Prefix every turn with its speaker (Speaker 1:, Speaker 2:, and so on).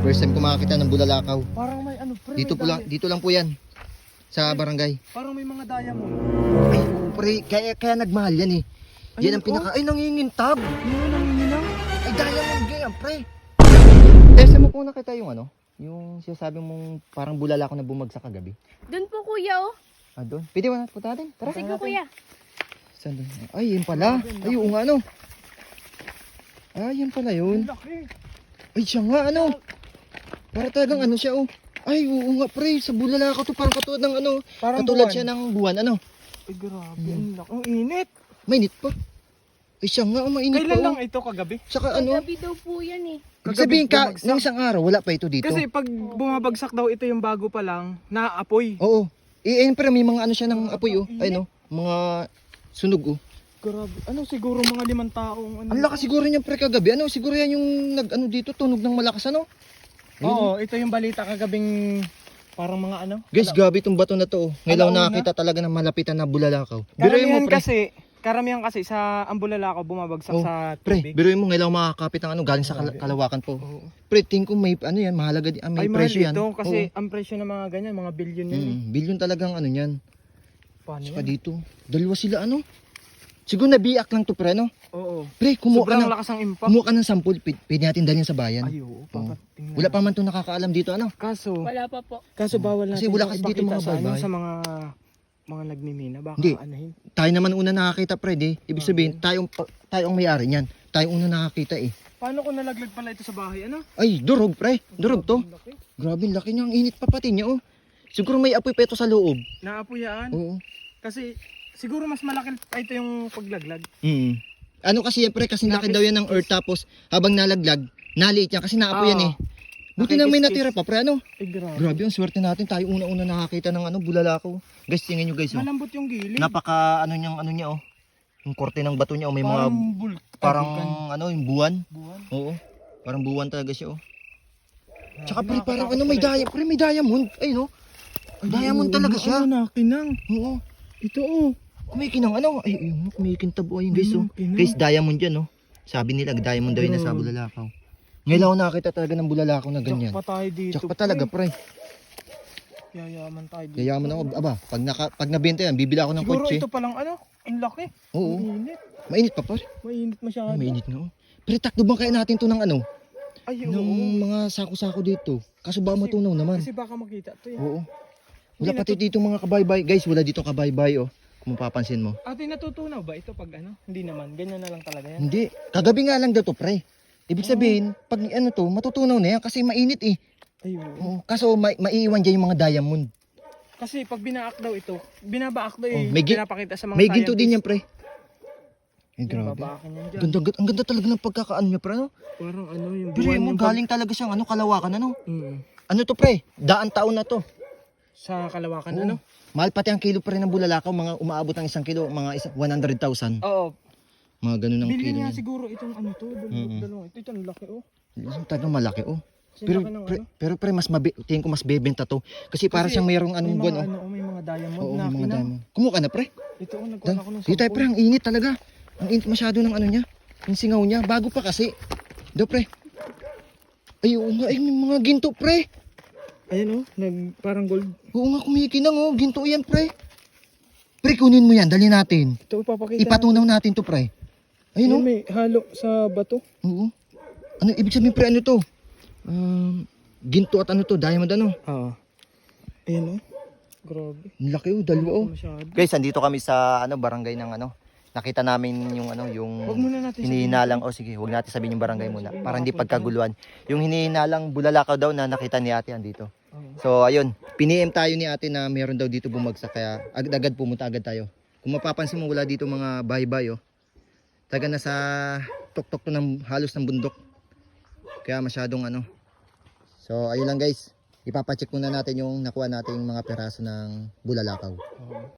Speaker 1: First time ko makakita ng bulalakaw.
Speaker 2: Parang may ano, pre.
Speaker 1: Dito po lang, dito lang po yan. Sa barangay.
Speaker 2: Parang may mga diamond.
Speaker 1: Ay, oo, pre, kaya nagmahal yan eh. Yan ang pinaka, ay nangingintab.
Speaker 2: Yun, nangingilang.
Speaker 1: Ay, diamond ganyan, pre. Saan mo po nakita yung ano? Yung sinasabi mong parang bulalakaw na bumagsak kagabi.
Speaker 3: Doon po kuya oh.
Speaker 1: Ah, doon. Pwede ba natin punta natin? Tara.
Speaker 3: Sige kuya.
Speaker 1: Saan doon? Ay, yun pala. Ay, oo nga, ano. Ay, yan pala yun.
Speaker 2: Laki.
Speaker 1: Ay, siya nga, ano. Para talagang ano siya, oh. Ay, oo nga, pre. Sa bulalakaw to, parang katulad ng ano.
Speaker 2: Parang
Speaker 1: katulad
Speaker 2: buwan.
Speaker 1: siya ng buwan, ano.
Speaker 2: Ay, grabe. Ang laki. Ang init.
Speaker 1: Mainit pa. Ay, siya nga, mainit
Speaker 2: Kailan
Speaker 1: pa,
Speaker 2: lang
Speaker 1: oh.
Speaker 2: ito kagabi?
Speaker 1: Saka ano,
Speaker 3: Kagabi daw po yan eh.
Speaker 1: ibig sabihin ka,
Speaker 2: bumagsak.
Speaker 1: ng isang araw, wala pa ito dito.
Speaker 2: Kasi pag bumabagsak daw ito yung bago pa lang, naaapoy.
Speaker 1: Oo. Pero may mga ano siya ng apoy, oh. Ay, no. Mga sunog, oh.
Speaker 2: Grabe. Ano siguro mga 5 taong ano.
Speaker 1: Ang lakas siguro niyan, pre, kagabi. Ano, siguro yan yung nag-ano dito, tunog ng malakas, ano. Ayun,
Speaker 2: Oo, ito yung balita kagabing parang mga ano.
Speaker 1: guys, gabi itong bato na to, oh. Ngayon
Speaker 2: Alauna.
Speaker 1: nakakita talaga ng malapitan na bulalakaw. Biruin mo,
Speaker 2: Karamihan kasi sa Ambulalakaw bumabagsak
Speaker 1: Oh,
Speaker 2: sa
Speaker 1: pre,
Speaker 2: tubig.
Speaker 1: biruin mo ngayon makakapit ng ano, galing sa kalawakan po.
Speaker 2: Oo.
Speaker 1: Pre, tingin ko may, ano yan, mahalaga, may
Speaker 2: Ay, mahal
Speaker 1: presyo yan.
Speaker 2: dito kasi
Speaker 1: Oo.
Speaker 2: ang presyo ng mga ganyan, mga billion yun.
Speaker 1: Billion talagang ano yan.
Speaker 2: Paano
Speaker 1: Saka
Speaker 2: yan?
Speaker 1: dito, dalawa sila, ano. Siguro nabiyak lang to, pre, no.
Speaker 2: Oo.
Speaker 1: Pre, kumuha ka
Speaker 2: Sobrang
Speaker 1: ng,
Speaker 2: lakas ang impact.
Speaker 1: kumuha ka ng sample, pwede natin dalhin sa bayan.
Speaker 2: Ay, oo. Papatingnan.
Speaker 1: Wala pa man to nakakaalam dito, ano.
Speaker 2: Kaso,
Speaker 3: Wala pa po.
Speaker 2: bawal natin
Speaker 1: Kasi wala
Speaker 2: itong
Speaker 1: kasi dito
Speaker 2: ipakita
Speaker 1: mga
Speaker 2: sa, ano,
Speaker 1: baybay.
Speaker 2: sa mga nagmimina. Baka
Speaker 1: Hindi.
Speaker 2: anahin.
Speaker 1: Tayo naman una nakakita, pre, di. Ibig sabihin, tayo ang may-ari niyan. Tayo una nakakita, eh.
Speaker 2: Paano kung nalaglag pala ito sa bahay? Ano?
Speaker 1: Ay, durog, pre. Durog to.
Speaker 2: Ang laki.
Speaker 1: Grabe, laki niya. Ang init pa pati niya, oh. Siguro may apoy pa ito sa loob.
Speaker 2: Naapuyaan.
Speaker 1: Oo.
Speaker 2: Kasi siguro mas malaki pa ito yung paglaglag.
Speaker 1: Ano kasi yan, pre, kasi laki daw yan ng earth, tapos habang nalaglag, naliit yan kasi naapoy yan, eh. Buti na may natira pa, pre, ano?
Speaker 2: Ay, grabe.
Speaker 1: Grabe, ang swerte natin. Tayo una-una nakakita ng ano, bulalakaw. Guys, tingnan nyo, guys, oh.
Speaker 2: Malambot yung gilid.
Speaker 1: Napaka, ano niya, oh. Yung korte ng bato niya, oh. May mga, parang, ano, yung buwan.
Speaker 2: buwan.
Speaker 1: Oo. Parang buwan talaga siya, oh. Tsaka, pre, parang, ano, may diamond. Pre, may diamond. Ay, no? Diamond talaga siya.
Speaker 2: Ano, nakinang.
Speaker 1: Oo.
Speaker 2: Ito, oh.
Speaker 1: Kumikinang, ano? Ay, ayun, kumikintab, oh. Ayun, guys, oh.
Speaker 2: Kumikinang.
Speaker 1: Guys, diamond yan, oh. Sabi nila, diamond daw yun na sa bulalakaw. Ngayon ako nakakita talaga ng bulalakaw na ganyan.
Speaker 2: Tsak pa tayo dito.
Speaker 1: Tsak pa talaga, pre.
Speaker 2: Yayaman tayo dito.
Speaker 1: Yayaman ako. Aba, pag nabenta yan, bibili ako ng
Speaker 2: Siguro
Speaker 1: kotse.
Speaker 2: ito palang ano, ang laki.
Speaker 1: Oo.
Speaker 2: Mainit.
Speaker 1: Mainit pa, pre.
Speaker 2: Mainit masyado.
Speaker 1: Ay, mainit nga, oh. Pre, takdo bang kaya natin to ng ano?
Speaker 2: Ay,
Speaker 1: Ng
Speaker 2: oo.
Speaker 1: mga sako-sako dito. Kaso ba matunaw naman?
Speaker 2: Kasi baka makita ito yan.
Speaker 1: Oo. Wala pati dito mga kabaybay. Guys, wala dito kabaybay, oh. Kung mapapansin mo.
Speaker 2: Ate, natutunaw ba ito pag ano? Hindi naman. Ganyan na lang talaga yan.
Speaker 1: Hindi. Kagabi nga lang daw to, pre. Ibig sabihin, pag ano to, matutunaw na yan kasi mainit, eh.
Speaker 2: Ay, oo.
Speaker 1: Oo. Kaso maiiwan dyan yung mga diamond.
Speaker 2: Kasi pag binaak daw ito, binabaak daw eh.
Speaker 1: Oh, may
Speaker 2: pinapakita sa mga
Speaker 1: May ginto din yan, pre. Ay, grabe.
Speaker 2: Babaakan yan dyan.
Speaker 1: Ang ganda talaga ng pagkakaano niya, pre, ano?
Speaker 2: Parang ano yung
Speaker 1: Biruin mo,
Speaker 2: yung
Speaker 1: galing talaga siyang ano, kalawakan, ano?
Speaker 2: Mm.
Speaker 1: Ano to, pre? Daan taon na to.
Speaker 2: Sa Kalawakan,
Speaker 1: Oo.
Speaker 2: ano?
Speaker 1: Mahal pati ang kilo pre ng bulalakaw, mga umaabot ng 1 kilo, mga 100,000.
Speaker 2: Oo.
Speaker 1: Mga ganun ang
Speaker 2: Bili
Speaker 1: kilo
Speaker 2: niya
Speaker 1: niyan.
Speaker 2: siguro itong ano to. Dalawang ito. Ito ang laki, oh.
Speaker 1: Talagang malaki, oh.
Speaker 2: Kasi
Speaker 1: Pero
Speaker 2: laki ng
Speaker 1: pre,
Speaker 2: ano.
Speaker 1: pero pre, tingin ko mas bebenta to. Kasi para
Speaker 2: Kasi
Speaker 1: siyang mayroong
Speaker 2: May
Speaker 1: anong
Speaker 2: mga
Speaker 1: buwan, oh.
Speaker 2: ano, may mga diamond
Speaker 1: Oo,
Speaker 2: na
Speaker 1: may mga
Speaker 2: kinang.
Speaker 1: diamond. Kumuha ka na, pre.
Speaker 2: Ito, oh, nagkuhan ako ng
Speaker 1: Dito tayo,
Speaker 2: 10.
Speaker 1: pre, ang init talaga. Ang init masyado ng ano niya. Yung singaw niya, bago pa kasi. Do, pre. Ay, oo nga, ay, may mga ginto, pre.
Speaker 2: Ayan, oh. Parang gold.
Speaker 1: Oo nga, kumikinang, oh. Ginto yan, pre. Pre, kunin mo yan, dali natin.
Speaker 2: Ito, ipapakita.
Speaker 1: Ipatunaw natin to, pre. Ayun,
Speaker 2: Ayun,
Speaker 1: oh.
Speaker 2: may halo sa bato.
Speaker 1: Oo. Ano, ibig sabihin, pre, ano to? Ginto at ano to, diamond ano?
Speaker 2: Oo. Ayan, oh. Grabe.
Speaker 1: Ang laki, oh, dalawa, oh.
Speaker 2: Masyado.
Speaker 1: Guys, andito kami sa ano barangay ng ano. Nakita namin yung ano, yung
Speaker 2: Huwag muna natin
Speaker 1: hinihinalang, oh sige, huwag natin sabihin yung barangay muna para hindi pagkaguluhan. Yung hinihinalang bulalakaw daw na nakita ni ate andito.
Speaker 2: Oo.
Speaker 1: So ayun, piniem tayo ni ate na meron daw dito bumagsak kaya agad pumunta agad tayo. Kung mapapansin mo wala dito mga bahay-bahay, oh. Taga na sa tuktok to ng halos ng bundok. Kaya masyadong ano. So ayun lang guys. Ipapacheck muna natin yung nakuha nating mga peraso ng bulalakaw.
Speaker 2: Oo.